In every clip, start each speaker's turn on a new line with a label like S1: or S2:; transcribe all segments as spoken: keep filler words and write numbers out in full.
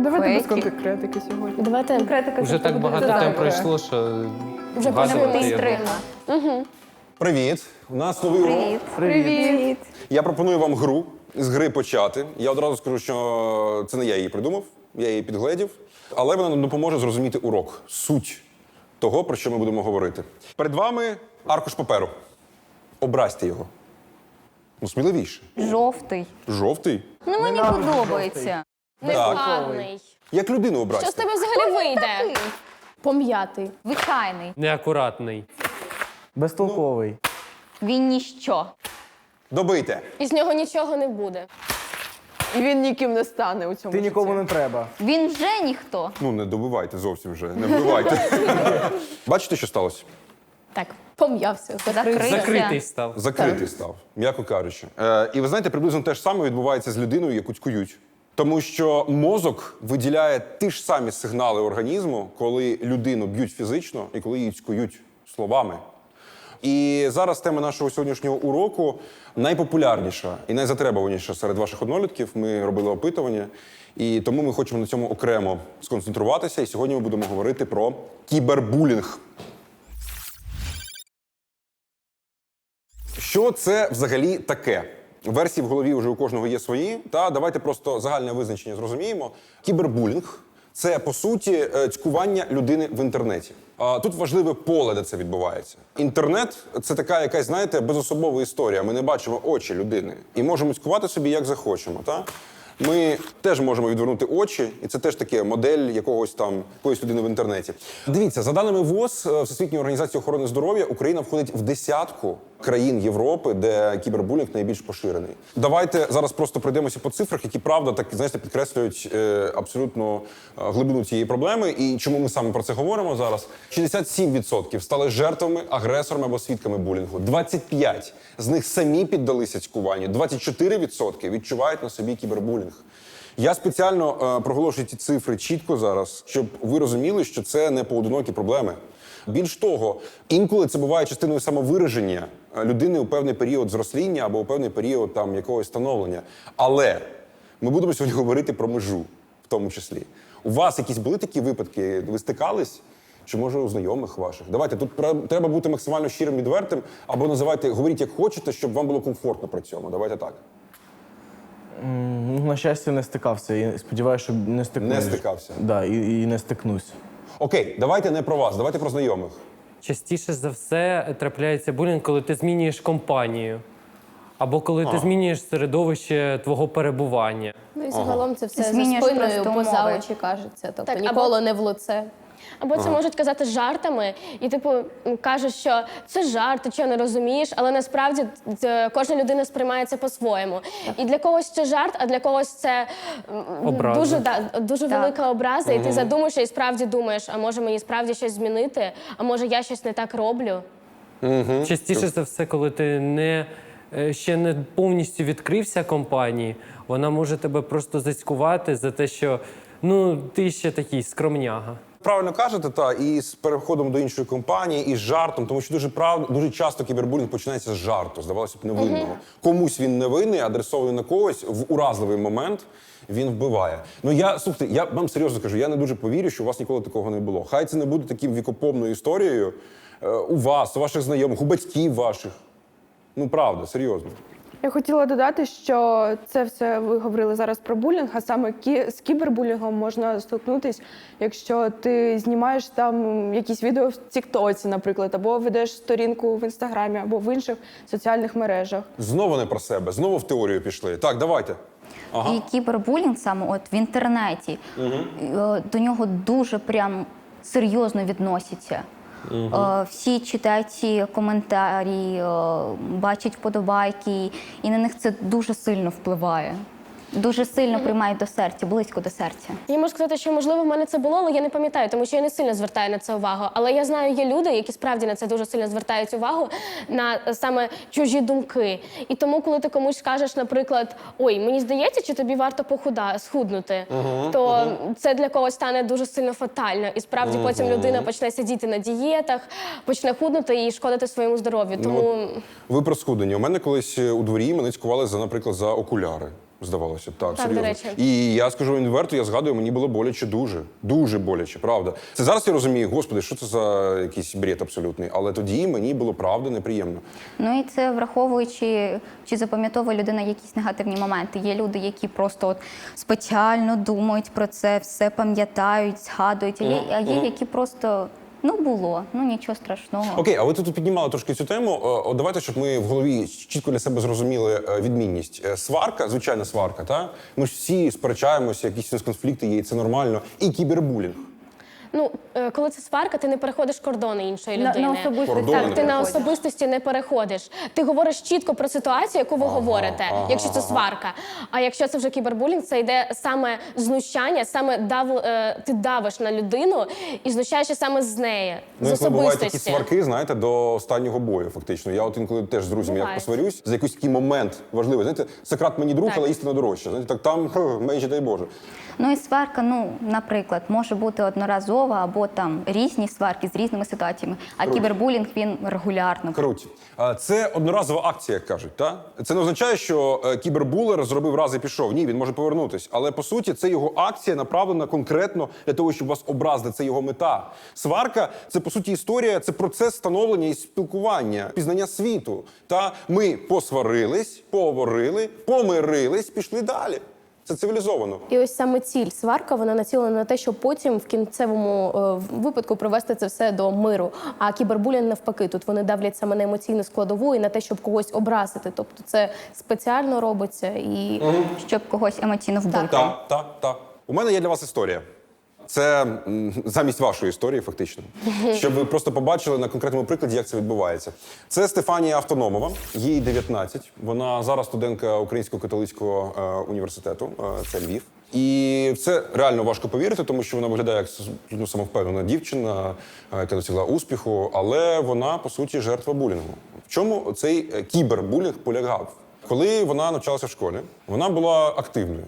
S1: Давайте без
S2: Фейки.
S1: конкретики сьогодні.
S3: Давайте конкретика.
S4: Вже так багато тем пройшло, що
S3: Вже
S4: вгадувати
S3: почали
S4: його.
S5: Привіт! У нас новий урок.
S2: Привіт.
S3: Привіт.
S5: Я пропоную вам гру. З гри почати. Я одразу скажу, що це не я її придумав, я її підгледів. Але вона нам допоможе зрозуміти урок, суть того, про що ми будемо говорити. Перед вами аркуш паперу. Образьте його. Ну, сміливіше.
S2: Жовтий.
S5: Жовтий.
S2: Ну, мені подобається.
S3: Негарний.
S5: Як людину
S3: Що з
S5: образьте.
S3: тебе взагалі вийде? Пом'ятий.
S2: Звичайний.
S4: Неакуратний.
S6: Безтолковий.
S2: Він ніщо.
S5: Добийте.
S3: І з нього нічого не буде.
S1: І він ніким не стане у цьому
S6: Ти
S1: житті.
S6: нікому не треба.
S2: Він вже ніхто.
S5: Ну, не добивайте зовсім вже, не вбивайте. Бачите, що сталося?
S3: Так, пом'явся.
S2: Закритий.
S4: Закритий став.
S5: Закритий став, м'яко кажучи. Е, і ви знаєте, приблизно те ж саме відбувається з людиною, яку цькують. Тому що мозок виділяє ті ж самі сигнали організму, коли людину б'ють фізично і коли її цькують словами. І зараз тема нашого сьогоднішнього уроку найпопулярніша і найзатребуваніша серед ваших однолітків. Ми робили опитування, і тому ми хочемо на цьому окремо сконцентруватися. І сьогодні ми будемо говорити про кібербулінг. Що це взагалі таке? Версії в голові вже у кожного є свої. Та давайте просто загальне визначення зрозуміємо. Кібербулінг – це, по суті, е, цькування людини в інтернеті. А тут важливе поле, де це відбувається. Інтернет – це така якась, знаєте, безособова історія. Ми не бачимо очі людини і можемо цькувати собі, як захочемо. Та? Ми теж можемо відвернути очі, і це теж таке модель якогось там, якоїсь людини в інтернеті. Дивіться, за даними ВОЗ, Всесвітньої організації охорони здоров'я, Україна входить в десятку країн Європи, де кібербулінг найбільш поширений. Давайте зараз просто пройдемося по цифрах, які, правда, так, знаєте, підкреслюють е, абсолютно е, глибину цієї проблеми. І чому ми саме про це говоримо зараз? шістдесят сім відсотків стали жертвами, агресорами або свідками булінгу. двадцять п'ять з них самі піддалися цькуванню. двадцять чотири відсотки відчувають на собі кібербулінг. Я спеціально е, проголошую ці цифри чітко зараз, щоб ви розуміли, що це не поодинокі проблеми. Більш того, інколи це буває частиною самовираження людини у певний період зросління або у певний період там якогось становлення. Але ми будемо сьогодні говорити про межу, в тому числі. У вас якісь були такі випадки? Ви стикались? Чи, може, у знайомих ваших? Давайте, тут треба бути максимально щирим, відвертим, або називайте, говоріть як хочете, щоб вам було комфортно при цьому. Давайте так.
S6: Ну, на щастя, не стикався. І сподіваюся, що не стикнусь.
S5: Не стикався?
S6: Да, і, і не стикнусь.
S5: Окей, давайте не про вас, давайте про знайомих.
S4: Частіше за все трапляється булінг, коли ти змінюєш компанію. Або коли ти змінюєш середовище твого перебування.
S3: Ну і загалом це все за
S2: Змінюєш
S3: спиною,
S2: просто
S3: поза
S2: умови.
S3: очі кажеться. Тобто
S7: Так,
S3: ніколи не в лице.
S7: Або це можуть казати жартами, і типу кажуть, що це жарт, ти чого не розумієш, але насправді д- кожна людина сприймає це по-своєму. І для когось це жарт, а для когось це м,
S4: Образа.
S7: дуже, да, дуже
S2: Так.
S7: велика образа, і ти задумаєшся і справді думаєш, а може мені справді щось змінити, а може я щось не так роблю.
S4: Частіше за все, коли ти не, е, ще не повністю відкрився компанії, вона може тебе просто зацькувати за те, що ну, ти ще такий скромняга.
S5: Правильно кажете, та і з переходом до іншої компанії, і з жартом, тому що дуже прав... дуже часто кібербулінг починається з жарту, здавалося б, невинного. Комусь він невинний, адресований на когось, в уразливий момент він вбиває. Ну я, слухайте, я вам серйозно кажу, я не дуже повірю, що у вас ніколи такого не було. Хай це не буде таким вікопомною історією е, у вас, у ваших знайомих, у батьків ваших. Ну правда, серйозно.
S1: Я хотіла додати, що це все ви говорили зараз про булінг, а саме кі- з кібербулінгом можна стикнутись, якщо ти знімаєш там якісь відео в Тіктоці, наприклад, або ведеш сторінку в Інстаграмі, або в інших соціальних мережах.
S5: Знову не про себе, знову в теорію пішли. Так, давайте. Ага.
S2: І кібербулінг саме от в інтернеті, е, до нього дуже прям серйозно відносяться. Е, Всі читають ці коментарі, е, бачать вподобайки, і на них це дуже сильно впливає. Дуже сильно приймають до серця, близько до серця.
S7: Я можу сказати, що можливо в мене це було, але я не пам'ятаю, тому що я не сильно звертаю на це увагу. Але я знаю, є люди, які справді на це дуже сильно звертають увагу, на е, саме чужі думки. І тому, коли ти комусь скажеш, наприклад, ой, мені здається, чи тобі варто похуда схуднути, то це для когось стане дуже сильно фатально. І справді потім людина почне сидіти на дієтах, почне худнути і шкодити своєму здоров'ю. Тому
S5: Ну, ви про схудення. У мене колись у дворі мене цькували за, наприклад, за окуляри. здавалося. Так,
S7: Так,
S5: серйозно.
S7: до речі.
S5: І я скажу відверто, я згадую, мені було боляче дуже. Дуже боляче, правда. Це зараз я розумію, господи, що це за якийсь бред абсолютний. Але тоді мені було правда неприємно.
S2: Ну і це враховуючи, чи запам'ятовує людина якісь негативні моменти. Є люди, які просто от спеціально думають про це, все пам'ятають, згадують. А є, а є які просто ну було, ну нічого страшного.
S5: Окей, а ви тут піднімали трошки цю тему. О, давайте, щоб ми в голові чітко для себе зрозуміли е, відмінність. Е, Сварка, звичайна сварка, та? Ми ж всі сперечаємося, якісь у нас конфлікти є, і це нормально. І кібербулінг.
S7: Ну, е, коли це сварка, ти не переходиш кордони іншої
S1: На,
S7: людини.
S1: на особистості.
S5: Кордони
S7: Так,
S5: не
S7: ти на
S5: переходиш.
S7: особистості не переходиш. Ти говориш чітко про ситуацію, яку ви говорите,
S5: ага,
S7: якщо це сварка. А якщо це вже кібербулінг, це йде саме знущання, саме дав, е, ти давиш на людину і знущаєшся саме з неї,
S5: Ну,
S7: з
S5: інколи бувають такі
S7: особистості.
S5: сварки, знаєте, до останнього бою, фактично. Я от інколи теж з друзями як
S7: Буває.
S5: посварюсь, за якийсь такий момент важливий. Знаєте, Сократ мені друг,
S7: Так.
S5: але істина дорожча. Знаєте, так там хе, менше, дай Боже.
S2: Ну і сварка, ну, наприклад, може бути одноразова або там різні сварки з різними ситуаціями, а кібербулінг він регулярно.
S5: Круті. А, Це одноразова акція, як кажуть. Та? Це не означає, що е, кібербулер зробив раз і пішов. Ні, він може повернутись. Але по суті, це його акція направлена конкретно для того, щоб вас образити. Це його мета. Сварка це по суті історія, це процес становлення і спілкування, пізнання світу. Та ми посварились, поговорили, помирились, пішли далі. Це цивілізовано.
S3: І ось саме ціль сварка, вона націлена на те, щоб потім в кінцевому е, випадку привести це все до миру. А кібербулінг навпаки, тут вони давлять саме на емоційну складову і на те, щоб когось образити. Тобто це спеціально робиться і
S2: Щоб когось емоційно вбити.
S5: Так, так, так. У мене є для вас історія. Це м, замість вашої історії, фактично. Щоб ви просто побачили на конкретному прикладі, як це відбувається. Це Стефанія Автономова, їй дев'ятнадцять. Вона зараз студентка Українського католицького е, університету, е, це Львів. І в це реально важко повірити, тому що вона виглядає як ну, самовпевнена дівчина, е, яка досягла успіху, але вона, по суті, жертва булінгу. В чому цей е, кібербулінг полягав? Коли вона навчалася в школі, вона була активною.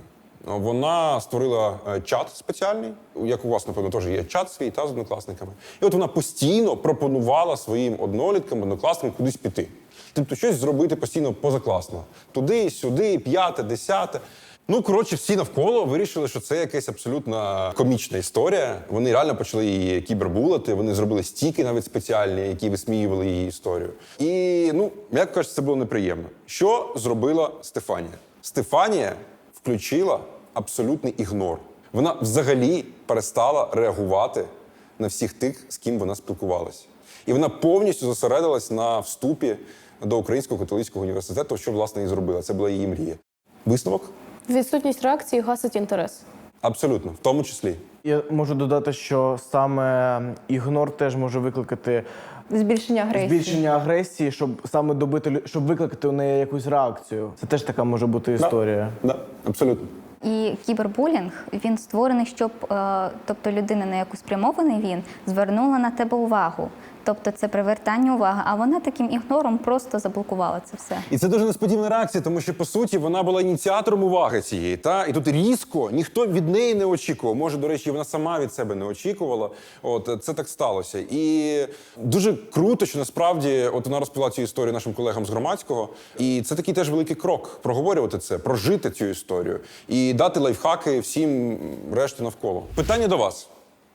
S5: Вона створила е, чат спеціальний, як у вас, напевно, теж є чат свій та з однокласниками. І от вона постійно пропонувала своїм одноліткам, однокласникам кудись піти. Тобто щось зробити постійно позакласно. Туди, сюди, п'яте, десяте. Ну, коротше, всі навколо вирішили, що це якась абсолютно комічна історія. Вони реально почали її кібербулити, вони зробили стіки навіть спеціальні, які висміювали її історію. І, ну, як кажуть, це було неприємно. Що зробила Стефанія? Стефанія включила абсолютний ігнор. Вона взагалі перестала реагувати на всіх тих, з ким вона спілкувалася. І вона повністю зосередилась на вступі до Українського католицького університету, що, власне, і зробила. Це була її мрія. Висновок?
S3: відсутність реакції гасить інтерес.
S5: Абсолютно, в тому числі.
S6: Я можу додати, що саме ігнор теж може викликати
S1: Збільшення агресії.
S6: збільшення агресії, щоб саме добити, лю- щоб викликати у неї якусь реакцію. Це теж така може бути історія.
S5: Да, абсолютно.
S2: І кібербулінг, він створений, щоб, е, тобто людина, на яку спрямований він, звернула на тебе увагу. Тобто це привертання уваги, а вона таким ігнором просто заблокувала це все.
S5: І це дуже несподівана реакція, тому що, по суті, вона була ініціатором уваги цієї. Та? І тут різко ніхто від неї не очікував. Може, до речі, вона сама від себе не очікувала. От, це так сталося. І дуже круто, що насправді от вона розповіла цю історію нашим колегам з громадського. І це такий теж великий крок – проговорювати це, прожити цю історію і дати лайфхаки всім решті навколо. Питання до вас.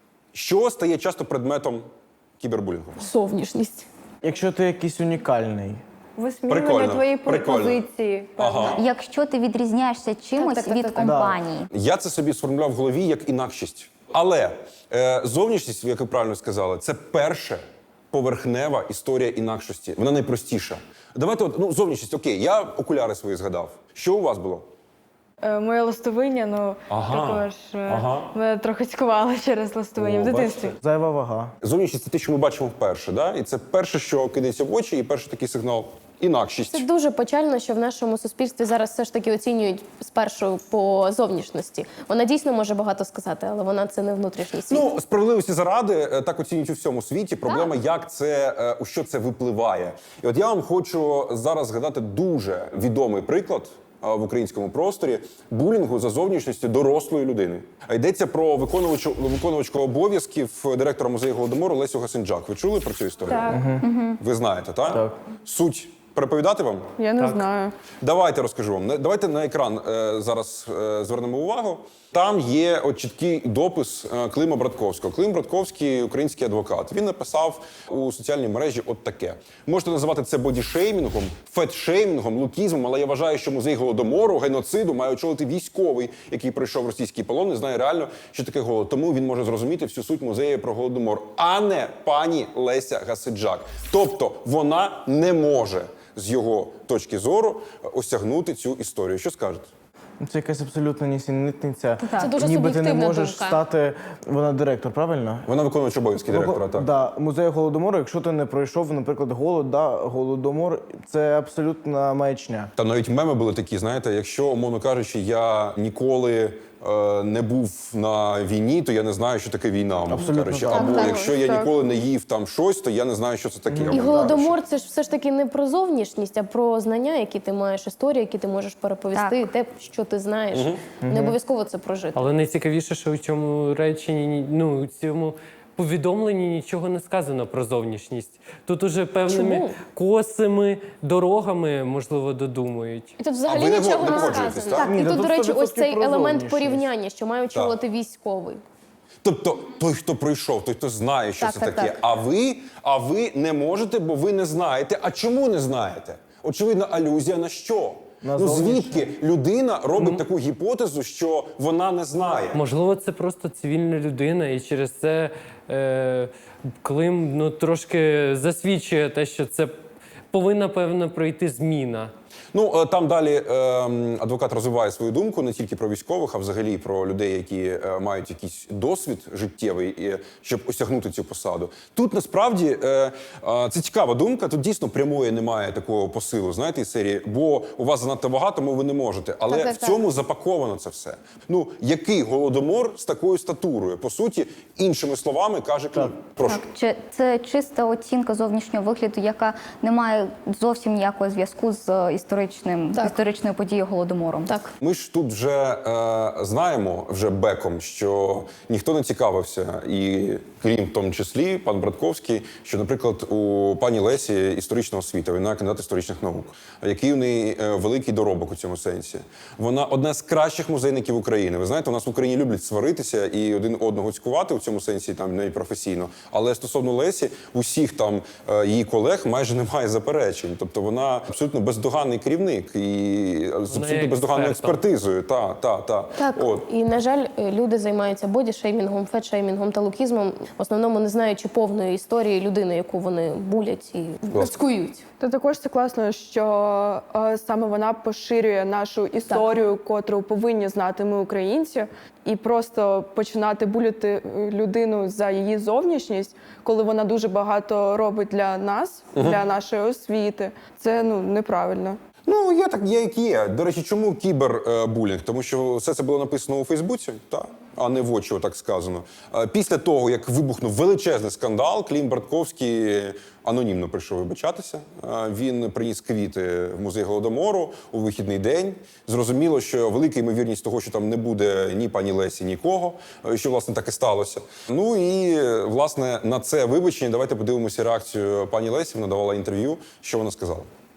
S5: Що стає часто предметом кібербулінгу?
S3: Зовнішність.
S6: Якщо ти якийсь унікальний,
S1: Висміювання
S5: Прикольно,
S1: твоєї
S5: прикольно.
S1: позиції.
S5: Ага.
S2: Якщо ти відрізняєшся чимось
S3: Так, так, так,
S2: від
S3: так, так.
S2: компанії,
S5: Я це собі сформулював в голові як інакшість. Але е, зовнішність, як ви правильно сказали, це перша поверхнева історія інакшості. Вона найпростіша. Давайте, от, ну, зовнішність, окей, я окуляри свої згадав. Що у вас було?
S1: Е, Моє ластовиння, ну
S5: Ага,
S1: також е,
S5: ага.
S1: мене трохи цькувало через ластовиння
S5: О,
S1: в дитинстві.
S5: бачите?
S6: зайва вага.
S5: Зовнішність – це те, що ми бачимо вперше, да? І це перше, що кидається в очі, і перший такий сигнал – інакшість.
S3: Це дуже печально, що в нашому суспільстві зараз все ж таки оцінюють спершу по зовнішності. Вона дійсно може багато сказати, але вона це не внутрішній світ.
S5: Ну, справедливості заради, е, так оцінюють у всьому світі. Проблема, як це, е, у що це випливає. І от я вам хочу зараз згадати дуже відомий приклад е, в українському просторі булінгу за зовнішністю дорослої людини. А йдеться про виконувачу, виконувачку обов'язків директора музею Голодомору Лесю Гасенджак. Ви чули про цю історію?
S1: Так.
S5: Ви знаєте, так?
S6: Так.
S5: Суть Переповідати вам?
S1: Я не
S4: Так.
S1: знаю.
S5: Давайте розкажу вам. Не- Давайте на екран е, зараз е, звернемо увагу. Там є от чіткий допис е, Клима Братковського. Клим Братковський – український адвокат. Він написав у соціальній мережі от таке. Можете називати це бодішеймінгом, фетшеймінгом, лукізмом, але я вважаю, що музей Голодомору, геноциду має очолити військовий, який пройшов російський полон, не знає реально, що таке голод. Тому він може зрозуміти всю суть музею про Голодомор, а не пані Леся Гасиджак. Тобто вона не може з його точки зору осягнути цю історію. Що скажете?
S6: Це якась абсолютна нісенітниця.
S7: Це дуже
S6: Ніби ти не
S7: суб'єктивна
S6: можеш
S7: думка.
S6: стати. Вона директор, правильно?
S5: Вона виконуюча обов'язки директора, так.
S6: Да, музею Голодомору, якщо ти не пройшов, наприклад, голод, да, Голодомор, це абсолютна маячня.
S5: Там навіть меми були такі, знаєте, якщо, умовно кажучи, я ніколи е, не був на війні, то я не знаю, що таке війна, умовно
S6: Абсолютно
S5: кажучи.
S6: так.
S5: Або
S1: Так,
S5: якщо я
S1: так.
S5: ніколи не їв там щось, то я не знаю, що це таке.
S3: І
S5: умовно
S3: голодомор
S5: кажучи.
S3: це ж все ж таки не про зовнішність, а про знання, які ти маєш, історії, які ти можеш переповісти, те, що ти знаєш. Не обов'язково це прожити.
S4: Але найцікавіше, що у цьому реченні, ні- ну, у цьому повідомленні нічого не сказано про зовнішність. Тут уже певними
S3: Чому?
S4: косими дорогами, можливо, додумують.
S7: І тут
S5: А
S7: взагалі
S5: ви не
S7: нічого
S5: го- не
S7: не
S5: погоджуєтесь,
S7: сказано.
S5: так?
S3: Так,
S6: Ні,
S3: і
S6: та
S3: тут,
S6: тут
S3: до речі,
S6: сто
S3: ось
S6: відсотків
S3: цей
S6: про
S3: елемент
S6: зовнішність.
S3: порівняння, що має очолити військовий.
S5: Тобто той, хто пройшов, той, хто знає, що
S3: Так,
S5: це
S3: так,
S5: таке.
S3: так.
S5: А ви, а ви не можете, бо ви не знаєте. А чому не знаєте? Очевидно, алюзія на що?
S6: На
S5: ну
S6: зовнішнє.
S5: звідки людина робить таку гіпотезу, що вона не знає?
S4: Можливо, це просто цивільна людина, і через це е, Клим ну, трошки засвідчує те, що це повинна, певно, пройти зміна.
S5: Ну е, там далі е, адвокат розвиває свою думку не тільки про військових, а взагалі про людей, які е, мають якийсь досвід життєвий, і, щоб осягнути цю посаду. Тут насправді е, е, це цікава думка. Тут дійсно прямої немає такого посилу, знаєте, із серії, бо у вас занадто багато, тому ви не можете. Але
S3: Так, так,
S5: в цьому запаковано це все. Ну який голодомор з такою статурою? По суті, іншими словами каже Клим. Прошу.
S2: Так, чи- це чиста оцінка зовнішнього вигляду, яка не має зовсім ніякого зв'язку з історичним
S3: Так.
S2: історичною подією Голодомором.
S3: Так.
S5: Ми ж тут вже е, знаємо вже беком, що ніхто не цікавився, і крім в тому числі пан Братковський, що, наприклад, у пані Лесі історична освіта, вона кандидат історичних наук, який у неї е, великий доробок у цьому сенсі. Вона одна з кращих музейників України. Ви знаєте, у нас в Україні люблять сваритися і один одного цькувати у цьому сенсі, там навіть професійно. Але стосовно Лесі, усіх там е, її колег майже немає заперечень. Тобто вона абсолютно бездоганний керівник і з абсолютно
S4: є
S5: бездоганною
S4: експертом.
S5: експертизою. Та, та, та.
S3: Так,
S5: От.
S3: і на жаль, люди займаються бодішеймінгом, фетшеймінгом та лукізмом, в основному не знаючи повної історії людини, яку вони булять і розкують.
S1: Та також це класно, що е, саме вона поширює нашу історію, котру повинні знати ми, українці, і просто починати буляти е, людину за її зовнішність, коли вона дуже багато робить для нас, для нашої освіти. Це ну неправильно.
S5: Ну, є так, є як є. До речі, чому кібербулінг? Тому що все це було написано у Фейсбуці, та, а не в очі, так сказано. Е, Після того, як вибухнув величезний скандал, Клим Братковський анонімно прийшов вибачатися. Е, Він приніс квіти в музей Голодомору у вихідний день. Зрозуміло, що велика ймовірність того, що там не буде ні пані Лесі, нікого, е, що, власне, так і сталося. Ну і, е, власне, на це вибачення давайте подивимося реакцію пані Лесі. Вона давала інтерв'ю. Що вона сказала?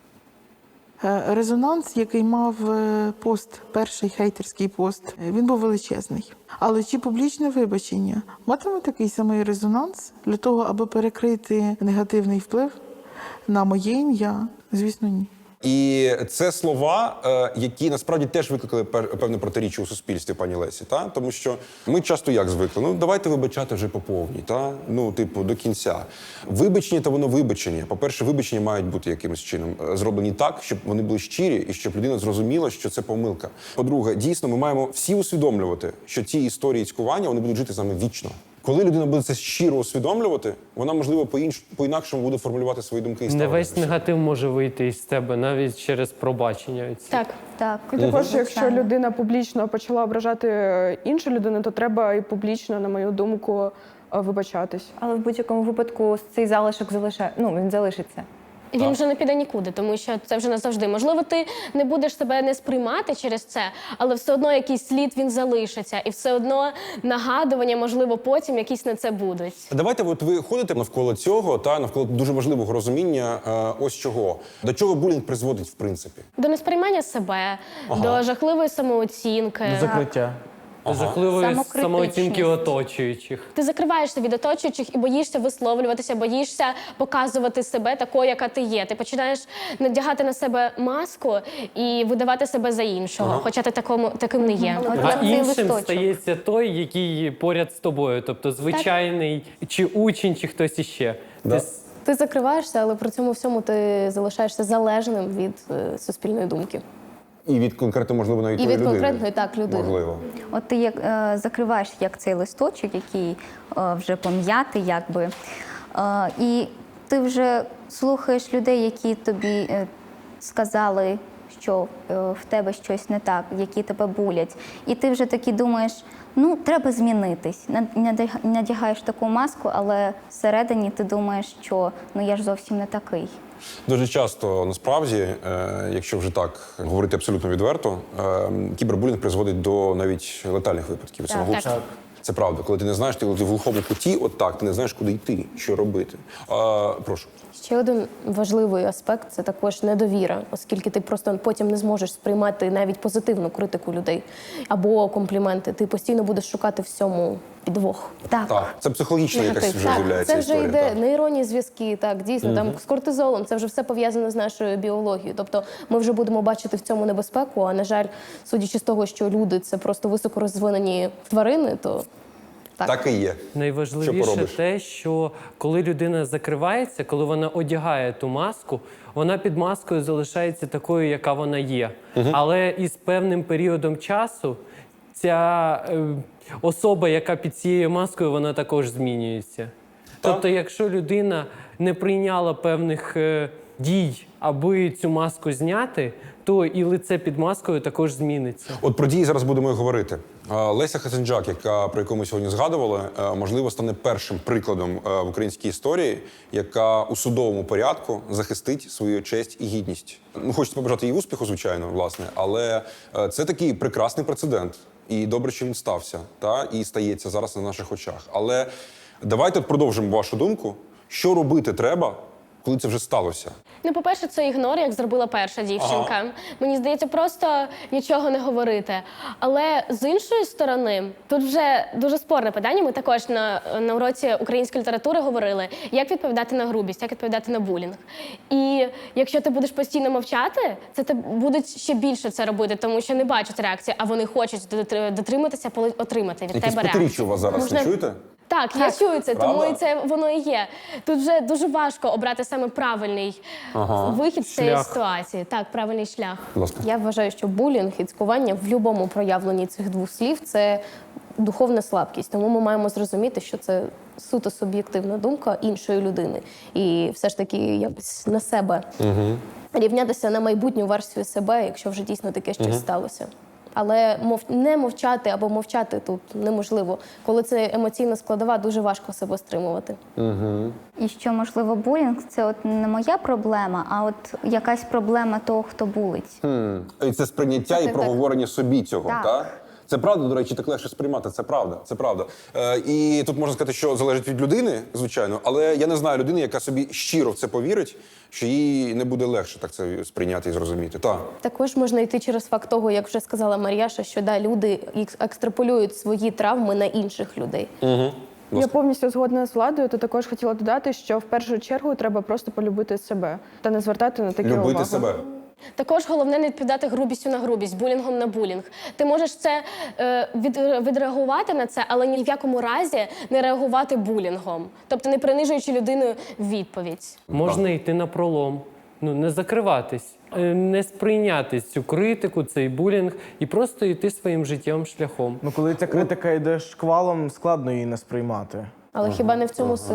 S8: Е, Резонанс, який мав е, пост, перший хейтерський пост, е, він був величезний. Але чи публічне вибачення матиме такий самий резонанс для того, аби перекрити негативний вплив на моє ім'я? Звісно, ні.
S5: І це слова, е, які насправді теж викликали пер- певне протиріччя у суспільстві, пані Лесі. Та? Тому що ми часто як звикли? Ну, давайте вибачати вже по повній, та? Ну, типу, до кінця. Вибачення – то воно вибачення. По-перше, вибачення мають бути якимось чином е, зроблені так, щоб вони були щирі і щоб людина зрозуміла, що це помилка. По-друге, дійсно, ми маємо всі усвідомлювати, що ці історії цькування, вони будуть жити з нами вічно. Коли людина буде це щиро усвідомлювати, вона, можливо, по-інш- по-інакшому буде формулювати свої думки і
S4: Не
S5: ставлення
S4: весь
S5: до всього.
S4: негатив може вийти із тебе навіть через пробачення. ці.
S7: Так.
S2: Так.
S1: І також, якщо
S2: Звичайно.
S1: людина публічно почала ображати е, іншу людину, то треба і публічно, на мою думку, е, вибачатись.
S9: Але в будь-якому випадку цей залишок залишає, ну він залишиться.
S7: І він вже не піде нікуди, тому що це вже назавжди. Можливо, ти не будеш себе не сприймати через це, але все одно якийсь слід він залишиться. І все одно нагадування, можливо, потім якісь на це будуть.
S5: Давайте, от ви ходите навколо цього, та навколо дуже важливого розуміння е, ось чого. До чого булінг призводить, в принципі?
S7: До несприймання себе, до жахливої самооцінки.
S6: До закриття.
S4: Жахливої
S2: Самокритичність.
S4: самооцінки оточуючих.
S7: Ти закриваєшся від оточуючих і боїшся висловлюватися, боїшся показувати себе такою, яка ти є. Ти починаєш надягати на себе маску і видавати себе за іншого, хоча ти такому, таким не є.
S2: От
S4: А
S2: як цей
S4: іншим
S2: листочок.
S4: стається той, який поряд з тобою, тобто звичайний чи учень, чи хтось іще.
S5: Да.
S4: Ти с-
S3: Ти закриваєшся, але при цьому всьому ти залишаєшся залежним від е, суспільної думки.
S5: І від конкретно, можливо, навіть
S3: І
S5: тої
S3: від
S5: людини.
S3: конкретної, так, людини.
S5: Можливо.
S2: От ти як е, закриваєш як цей листочок, який е, вже пом'ятий, якби, е, і ти вже слухаєш людей, які тобі е, сказали, що е, в тебе щось не так, які тебе булять. І ти вже таки думаєш, ну, треба змінитись. Над- надяг- Надягаєш таку маску, але всередині ти думаєш, що ну я ж зовсім не такий.
S5: Дуже часто, насправді, е, якщо вже так говорити абсолютно відверто, е, кібербулінг призводить до навіть летальних випадків самогубства.
S7: так.
S5: Це правда. Коли ти не знаєш, ти, коли ти в глухому куті, от так, ти не знаєш, куди йти, що робити. А, прошу.
S3: Ще один важливий аспект – це також недовіра, оскільки ти просто потім не зможеш сприймати навіть позитивну критику людей або компліменти. Ти постійно будеш шукати всьому підвох.
S2: Так.
S5: Так, це психологічно якась
S3: Негатив.
S5: вже
S3: Так,
S5: з'являється
S3: це вже
S5: історія.
S3: йде
S5: так.
S3: нейронні зв'язки, так, дійсно, там з кортизолом, це вже все пов'язано з нашою біологією. Тобто ми вже будемо бачити в цьому небезпеку, а, на жаль, судячи з того, що люди – це просто високорозвинені тварини, то так.
S5: Так і є. Що
S4: Найважливіше
S5: поробиш?
S4: те, що коли людина закривається, коли вона одягає ту маску, вона під маскою залишається такою, яка вона є. Але із певним періодом часу ця е, особа, яка під цією маскою, вона також змінюється. Тобто, якщо людина не прийняла певних е, дій, аби цю маску зняти, то і лице під маскою також зміниться.
S5: От про дії зараз будемо і говорити. А, Леся Хасенджак, яка, про яку ми сьогодні згадували, е, можливо, стане першим прикладом е, в українській історії, яка у судовому порядку захистить свою честь і гідність. Ну, хочеться побажати їй успіху, звичайно, власне, але е, це такий прекрасний прецедент. І добре, що він стався, та, і стається зараз на наших очах. Але давайте продовжимо вашу думку. Що робити треба, коли це вже сталося?
S7: Ну, по-перше, це ігнор, як зробила перша дівчинка. Мені здається, просто нічого не говорити. Але з іншої сторони, тут вже дуже спорне питання. Ми також на, на уроці української літератури говорили, як відповідати на грубість, як відповідати на булінг. І якщо ти будеш постійно мовчати, це ти будуть ще більше це робити, тому що не бачать реакції, а вони хочуть дотр- дотриматися, поли- отримати від
S5: Якесь
S7: тебе
S5: п'ятиріччя
S7: реакцію.
S5: у вас зараз,
S7: Можна-
S5: не чуєте?
S7: Так, я чую це, тому
S5: Правда?
S7: і це воно і є. Тут вже дуже важко обрати саме правильний вихід з цієї
S4: Шлях.
S7: ситуації. Так, правильний шлях.
S5: Будь ласка.
S3: Я вважаю, що булінг і цькування в будь-якому проявленні цих двох слів – це духовна слабкість. Тому ми маємо зрозуміти, що це суто суб'єктивна думка іншої людини. І все ж таки якось на себе рівнятися на майбутню версію себе, якщо вже дійсно таке щось сталося. Але мов... не мовчати або мовчати тут неможливо. Коли це емоційна складова, дуже важко себе стримувати.
S2: І що, можливо, булінг – це от не моя проблема, а от якась проблема того, хто булить.
S5: Хм. І це сприйняття і
S2: так.
S5: проговорення собі цього, так?
S2: Так.
S5: Це правда, до речі, так легше сприймати, це правда, це правда. Е, і тут можна сказати, що залежить від людини, звичайно, але я не знаю людини, яка собі щиро в це повірить, що їй не буде легше так це сприйняти і зрозуміти. Так.
S3: Також можна йти через факт того, як вже сказала Мар'яша, що да, люди екс- екстраполюють свої травми на інших людей.
S1: Я повністю згодна з Владою. То також хотіла додати, що в першу чергу треба просто полюбити себе та не звертати на такі
S5: Любити
S1: увагу.
S5: себе.
S7: Також головне не відповідати грубістю на грубість, булінгом на булінг. Ти можеш це е, від, відреагувати на це, але ні в якому разі не реагувати булінгом. Тобто не принижуючи людину відповідь.
S4: Можна йти на пролом, ну не закриватись, е, не сприйняти цю критику, цей булінг і просто йти своїм життєвим шляхом.
S6: Ну, коли ця критика йде шквалом, складно її не сприймати.
S3: Але хіба не в цьому сила?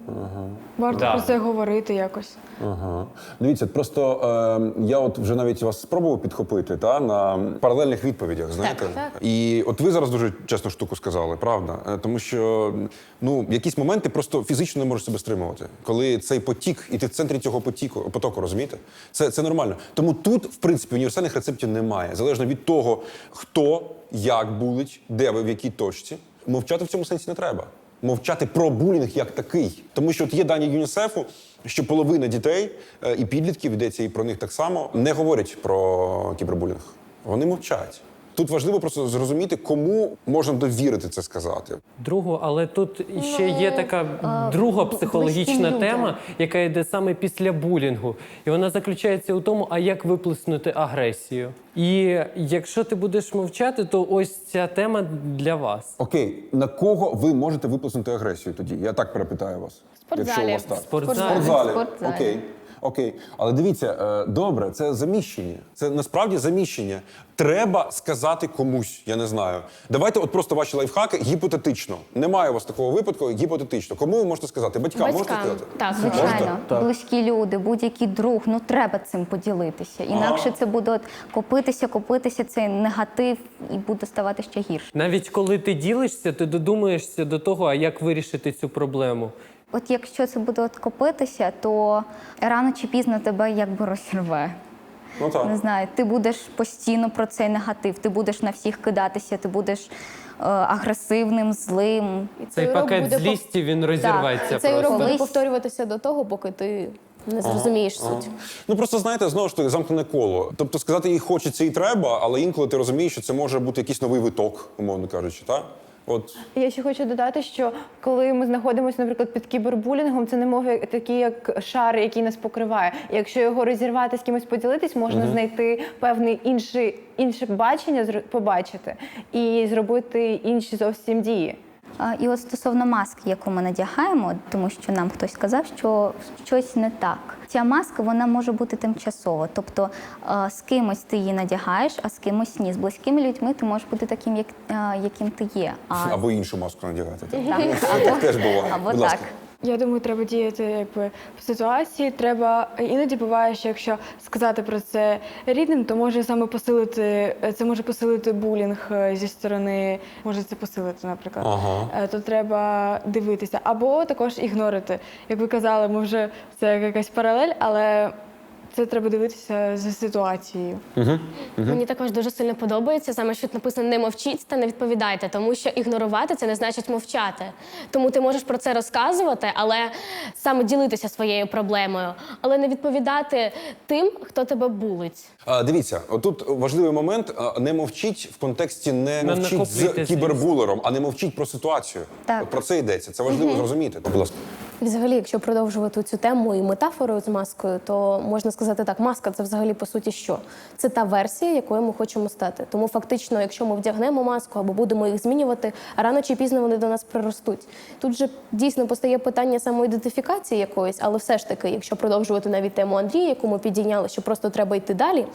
S1: Варто
S4: Да.
S1: про це говорити якось.
S5: Ага. Дивіться, просто е, я от вже навіть вас спробував підхопити та, на паралельних відповідях, знаєте?
S7: так.
S5: І от ви зараз дуже чесну штуку сказали, правда? Е, Тому що ну, в якісь моменти просто фізично не можеш себе стримувати. Коли цей потік, і ти в центрі цього потіку, потоку, розумієте? Це, це нормально. Тому тут, в принципі, універсальних рецептів немає. Залежно від того, хто, як булить, де ви, в якій точці. Мовчати в цьому сенсі не треба. Мовчати про булінг як такий. Тому що от є дані ЮНІСЕФу, що половина дітей е, і підлітків, йдеться і про них так само, не говорять про кібербулінг. Вони мовчать. Тут важливо просто зрозуміти, кому можна довірити це сказати.
S4: Другу, але тут ще є така друга психологічна
S2: людям.
S4: тема, яка йде саме після булінгу. І вона заключається у тому, а як виплеснути агресію. І якщо ти будеш мовчати, то ось ця тема для вас.
S5: Окей, на кого ви можете виплеснути агресію тоді? Я так перепитаю вас.
S7: спортзалі.
S5: Якщо у вас так.
S4: В спортзалі.
S5: В спортзалі.
S2: спортзалі.
S5: Окей. Окей. Але дивіться, е, добре, це заміщення. Це насправді заміщення. Треба сказати комусь, я не знаю. Давайте от просто ваші лайфхаки гіпотетично. Немає у вас такого випадку, гіпотетично. Кому ви можете сказати? Батькам, можете
S7: Батькам.
S5: сказати?
S7: Так,
S2: Звичайно,
S6: Так.
S2: близькі люди, будь-який друг, ну треба цим поділитися. Інакше це буде от копитися, копитися, цей негатив і буде ставати ще гірше.
S4: Навіть коли ти ділишся, ти додумаєшся до того, а як вирішити цю проблему.
S2: От якщо це буде от копитися, то рано чи пізно тебе якби розірве.
S5: Ну так.
S2: Не знаю, ти будеш постійно про цей негатив, ти будеш на всіх кидатися, ти будеш е, агресивним, злим.
S4: Цей
S3: урок
S4: пакет
S3: буде
S4: злісті, він розірветься
S3: Цей урок
S4: просто.
S3: буде
S2: Колись-
S3: повторюватися до того, поки ти не зрозумієш суть.
S5: Ну просто знаєте, знову ж таки, замкнене коло. Тобто сказати їй хочеться і треба, але інколи ти розумієш, що це може бути якийсь новий виток, умовно кажучи, так? От
S1: Я ще хочу додати, що коли ми знаходимося, наприклад, під кібербулінгом, це немов такий як шар, який нас покриває. І якщо його розірвати, з кимось поділитись, можна знайти певне інше, інше бачення, зр- побачити і зробити інші зовсім дії.
S2: А, І от стосовно маски, яку ми надягаємо, тому що нам хтось сказав, що щось не так. Ця маска, вона може бути тимчасова. Тобто е, з кимось ти її надягаєш, а з кимось ні. З близькими людьми ти можеш бути таким, як, е, яким ти є. А,
S5: або іншу маску надягати. Так,
S2: так,
S5: так
S2: або,
S5: теж буває.
S2: або
S5: Будь ласка.
S2: так.
S1: Я думаю, треба діяти якби в ситуації. Треба іноді буває, що якщо сказати про це рідним, то може саме посилити це може посилити булінг е, зі сторони, може це посилити, наприклад.
S5: Ага.
S1: Е, То треба дивитися або також ігнорити. Як ви казали, ми вже це якась паралель, але це треба дивитися за ситуацією.
S7: Мені також дуже сильно подобається саме, що тут написано «не мовчіть та не відповідайте», тому що ігнорувати – це не значить мовчати. Тому ти можеш про це розказувати, але саме ділитися своєю проблемою, але не відповідати тим, хто тебе булить.
S5: А, дивіться, отут важливий момент. а, Не мовчіть в контексті не
S4: Не
S5: мовчіть з
S4: накопити
S5: кібербулером, а не мовчіть про ситуацію.
S2: Так.
S5: От про це йдеться. Це важливо зрозуміти. Будь ласка.
S3: І взагалі, якщо продовжувати цю тему і метафору з маскою, то можна сказати так, маска – це взагалі по суті що? Це та версія, якою ми хочемо стати. Тому фактично, якщо ми вдягнемо маску або будемо їх змінювати, рано чи пізно вони до нас приростуть. Тут же дійсно постає питання самоідентифікації якоїсь, але все ж таки, якщо продовжувати навіть тему Андрія, яку ми підійняли, що просто треба йти далі.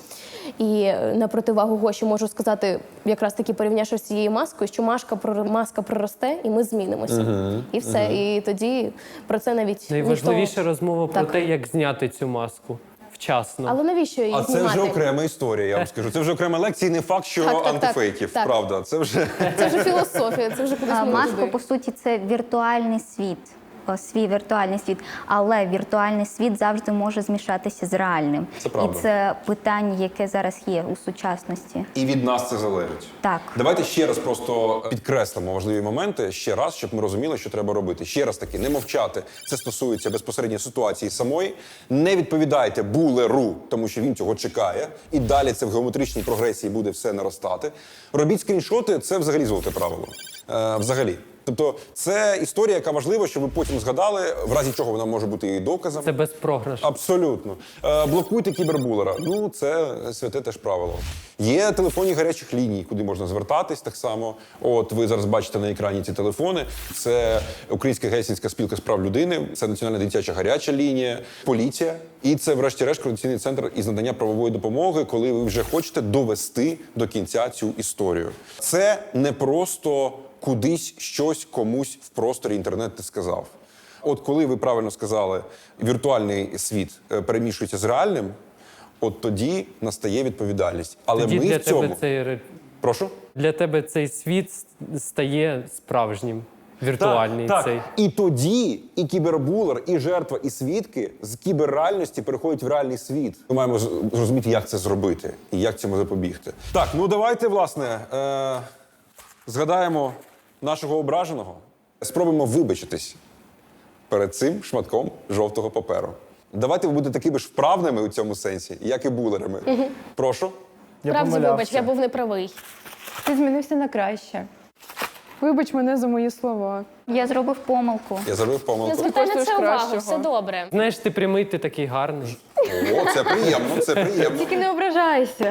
S3: І на противагу Гоші можу сказати, якраз таки порівнявши з цією маскою, що маска, прор- маска проросте і ми змінимося. І все. І тоді про це навіть
S4: Найважливіша
S3: ніхто...
S4: розмова про
S3: Так.
S4: те, як зняти цю маску вчасно.
S3: Але навіщо її
S5: А це
S3: знімати?
S5: вже окрема історія, я вам скажу. Це вже окрема лекція, і не факт, що
S3: Так, так, так.
S5: антифейків.
S3: Так.
S5: Правда, це вже.
S3: Це вже філософія, це вже кудись
S2: А,
S3: ми
S2: Маска,
S3: туди.
S2: по суті, це віртуальний світ, о, свій віртуальний світ, але віртуальний світ завжди може змішатися з реальним.
S5: Це правда.
S2: І це питання, яке зараз є у сучасності.
S5: І від нас це залежить.
S2: Так.
S5: Давайте ще раз просто підкреслимо важливі моменти, ще раз, щоб ми розуміли, що треба робити. Ще раз таки, не мовчати. Це стосується безпосередньо ситуації самої. Не відповідайте булеру, тому що він цього чекає. І далі це в геометричній прогресії буде все наростати. Робіть скріншоти, це взагалі золоте правило. Е, взагалі. Тобто це історія, яка важлива, щоб ви потім згадали, в разі чого вона може бути і доказом.
S4: Це безпрограш.
S5: Абсолютно. Е, блокуйте кібербулера. Ну, це святе теж правило. Є телефонні гарячих ліній, куди можна звертатись так само. От ви зараз бачите на екрані ці телефони. Це Українська гельсінська спілка з прав людини, це Національна дитяча гаряча лінія, поліція. І це, врешті-решт, координаційний центр із надання правової допомоги, коли ви вже хочете довести до кінця цю історію. Це не просто кудись щось комусь в просторі інтернет ти сказав. От коли ви правильно сказали, віртуальний світ е, перемішується з реальним, от тоді настає відповідальність. Але
S4: Тоді
S5: ми
S4: для
S5: в цьому...
S4: тебе цей ре-
S5: Прошу?
S4: для тебе цей світ с- стає справжнім, віртуальний
S5: так,
S4: цей.
S5: так. І тоді і кібербулер, і жертва, і свідки з кіберреальності переходять в реальний світ. Ми маємо з- зрозуміти, як це зробити і як цьому запобігти. Так, ну давайте, власне, е- згадаємо нашого ображеного. Спробуємо вибачитись перед цим шматком жовтого паперу. Давайте ви будете такими ж вправними у цьому сенсі, як і булерами. Прошу.
S6: Я
S7: Справді,
S6: помилявся.
S7: вибач, я був неправий.
S1: Ти змінився на краще. Вибач мене за мої слова.
S2: Я зробив помилку.
S5: Я зробив
S7: Не
S5: помилку.
S7: звертай на
S1: коштуєш
S7: це увагу,
S1: кращого.
S7: все добре.
S4: Знаєш, ти прямий, ти такий гарний.
S5: О, це приємно, це приємно.
S1: Тільки не ображайся.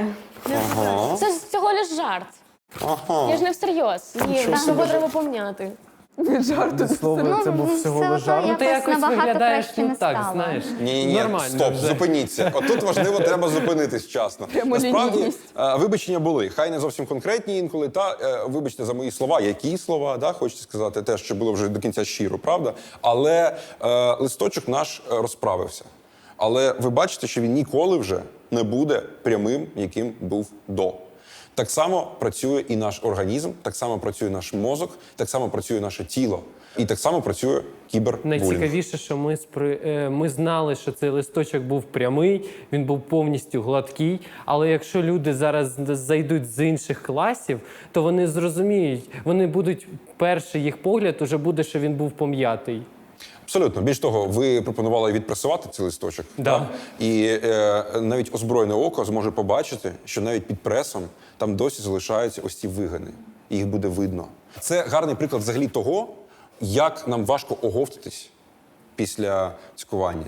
S7: Це ж всього лиш жарт. Я ж не всерйоз. Ні, його треба помняти.
S1: Від жарту.
S6: Слово, це був всього
S2: все
S6: лиш
S2: одно
S6: жарт.
S2: якось
S4: Ти якось
S2: набагато
S4: виглядаєш
S2: краще
S4: ну
S2: не
S4: так,
S2: стало.
S4: знаєш.
S5: Ні, ні,
S4: Нормально
S5: стоп,
S4: вже.
S5: зупиніться. Отут важливо, треба зупинитись вчасно. Насправді,
S1: Прямолінійність.
S5: е, вибачення були. Хай не зовсім конкретні інколи. Та е, вибачте за мої слова, які слова, да, хочете сказати, те, що було вже до кінця щиро, правда? Але е, листочок наш е, розправився. Але ви бачите, що він ніколи вже не буде прямим, яким був до. Так само працює і наш організм, так само працює наш мозок, так само працює наше тіло. І так само працює кібербулінг.
S4: Найцікавіше, що ми спри... е, ми знали, що цей листочок був прямий, він був повністю гладкий. Але якщо люди зараз зайдуть з інших класів, то вони зрозуміють, вони будуть перший їх погляд уже буде, що він був пом'ятий.
S5: Абсолютно. Більш того, ви пропонували відпресувати цей листочок.
S4: Да.
S5: Так? І е, навіть озброєне око зможе побачити, що навіть під пресом там досі залишаються ось ці вигини. І їх буде видно. Це гарний приклад взагалі того, як нам важко оговтатись після цькування.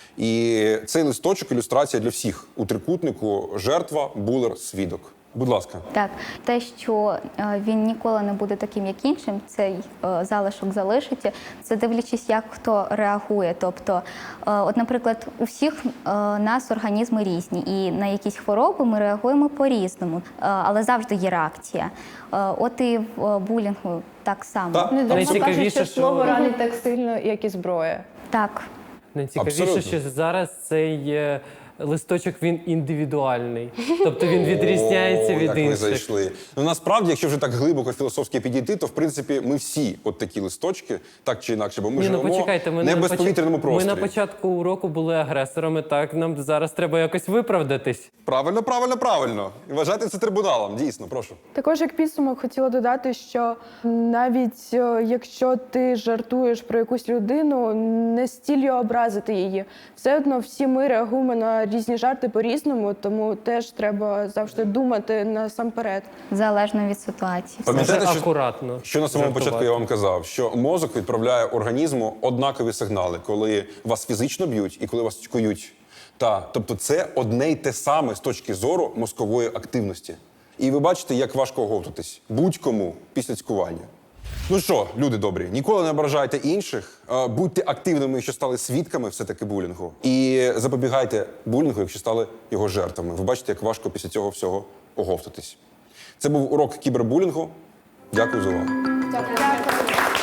S5: І цей листочок – ілюстрація для всіх. У трикутнику жертва, булер, свідок. Будь ласка.
S2: Так, те, що е, він ніколи не буде таким, як іншим, цей е, залишок залишиться, це дивлячись, як хто реагує. Тобто, е, от, наприклад, у всіх е, нас організми різні, і на якісь хвороби ми реагуємо по-різному, е, але завжди є реакція. Е, от і в е, булінгу так само.
S5: Так.
S1: Не дарма
S4: Найцікавіше,
S1: кажуть, що
S4: що-
S1: слово ранить так сильно, як і зброя.
S2: Так.
S4: Найцікавіше,
S5: Абсолютно.
S4: що зараз цей е, листочок він індивідуальний. Тобто він відрізняється
S5: О,
S4: від
S5: як ви
S4: інших.
S5: зайшли. Ну, насправді, якщо вже так глибоко філософськи підійти, то, в принципі, ми всі от такі листочки, так чи інакше, бо ми
S4: Ні, ну
S5: живемо
S4: почекайте, ми
S5: не
S4: на
S5: в
S4: поч-
S5: безповітряному просторі.
S4: Ми на початку уроку були агресорами, так, нам зараз треба якось виправдатись.
S5: Правильно, правильно, правильно. І вважайте це трибуналом, дійсно, прошу.
S1: Також як підсумок хотіла додати, що навіть е, якщо ти жартуєш про якусь людину, не стіль образити її. Все одно всі ми реагуємо на різні жарти по-різному, тому теж треба завжди думати насамперед.
S2: Залежно від ситуації.
S5: Пам'ятаєте,
S4: Дуже
S5: що,
S4: акуратно.
S5: що на самому
S4: жартувати.
S5: початку я вам казав, що мозок відправляє організму однакові сигнали, коли вас фізично б'ють і коли вас цькують. Та, тобто це одне й те саме з точки зору мозкової активності. І ви бачите, як важко оговтатись будь-кому після цькування. Ну що, люди добрі, ніколи не ображайте інших, е, будьте активними, якщо стали свідками все-таки булінгу. І запобігайте булінгу, якщо стали його жертвами. Ви бачите, як важко після цього всього оговтатись. Це був урок кібербулінгу. Дякую за увагу.
S7: Дякую.